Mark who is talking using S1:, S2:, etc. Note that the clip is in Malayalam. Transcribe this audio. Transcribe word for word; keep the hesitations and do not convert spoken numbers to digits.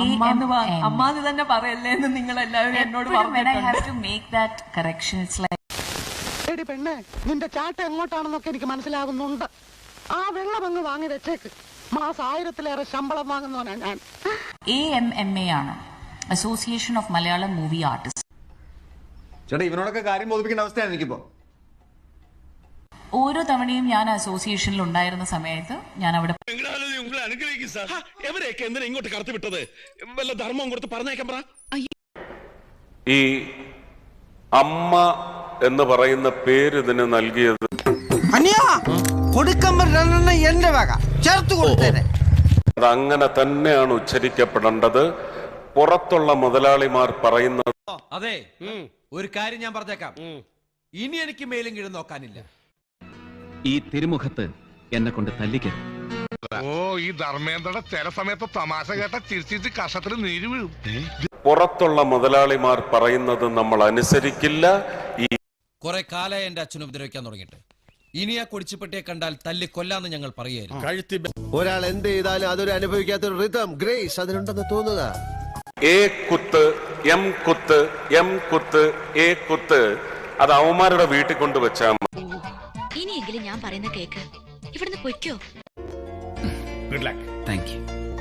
S1: അമ്മാതി തന്നെ പറയല്ലേ എന്ന് നിങ്ങൾ എല്ലാവരും എന്നോട്
S2: പെണ്ണെ നിന്റെ ചാട്ട എങ്ങോട്ടാണെന്നൊക്കെ എനിക്ക് മനസ്സിലാകുന്നുണ്ട്. ആ വെള്ളം അങ്ങ് വാങ്ങി വെച്ചേക്ക്. മാസം ആയിരത്തിലേറെ ശമ്പളം വാങ്ങുന്നവനാ ഞാൻ.
S3: എ എം എം എ ആണ്, association of Malayalam movie artist.
S4: ചേട്ടാ ഇവനോടൊക്കെ കാര്യം ബോധിപ്പിക്കേണ്ട അവസ്ഥയാണ് എനിക്കിപ്പോ.
S3: ഓരോ തവണയും ഞാൻ അസോസിയേഷനിൽ ഉണ്ടായിരുന്ന സമയത്ത് ഞാൻ അവിടെ
S5: ഇങ്ങോട്ട് കടത്തിവിട്ടത് വല്ല ധർമ്മം കൊടുത്ത് പറഞ്ഞേക്കാൻ പറ.
S6: ഈ അമ്മ എന്ന് പറയുന്ന പേര് ഇതിന് നൽകിയത്
S2: എന്റെ വക ചേർത്ത് കൊടുത്തേരെ.
S6: അത് അങ്ങനെ തന്നെയാണ് ഉച്ചരിക്കപ്പെടേണ്ടത്. പുറത്തുള്ള മുതലാളിമാർ പറയുന്നത്.
S7: അതെ, ഒരു കാര്യം ഞാൻ പറഞ്ഞേക്കാം, ഇനി എനിക്ക് മേലും കീഴും നോക്കാനില്ല.
S8: ഈ തിരുമുഖത്ത് എന്നെ കൊണ്ട് തല്ലിക്കരുത്.
S5: ഓ, ഈ ധർമ്മേന്ദ്രയുടെ ചില സമയത്ത് തമാശ കേട്ട ചിരിച്ചിട്ട് കഷത്തിൽ നീര് വീഴും.
S6: പുറത്തുള്ള മുതലാളിമാർ പറയുന്നത് നമ്മൾ അനുസരിക്കില്ല. ഈ
S7: കുറെ കാലമായി എന്റെ അച്ഛനെ ഉപദ്രവിക്കാൻ തുടങ്ങിയിട്ട് ഇനി ആ കൊടിച്ചുപെട്ടിയെ കണ്ടാൽ തല്ലി കൊല്ലാന്ന് ഞങ്ങൾ പറയായിരുന്നു.
S9: ഒരാൾ എന്ത് ചെയ്താലും അതൊരു അനുഭവിക്കാത്ത ഒരു റിതം ഗ്രേസ് അതിനുണ്ടെന്ന് തോന്നുക.
S6: എ കുത്ത്, എം കുത്ത്, എം കുത്ത്, എ കുത്ത്, അത് അവന്മാരുടെ വീട്ടിൽ കൊണ്ടുവച്ചാൽ മതി.
S10: ഇനിയെങ്കിലും ഞാൻ പറയുന്ന കേക്ക്, ഇവിടുന്ന് പൊയ്ക്കോ.
S5: Good luck.
S8: Thank U.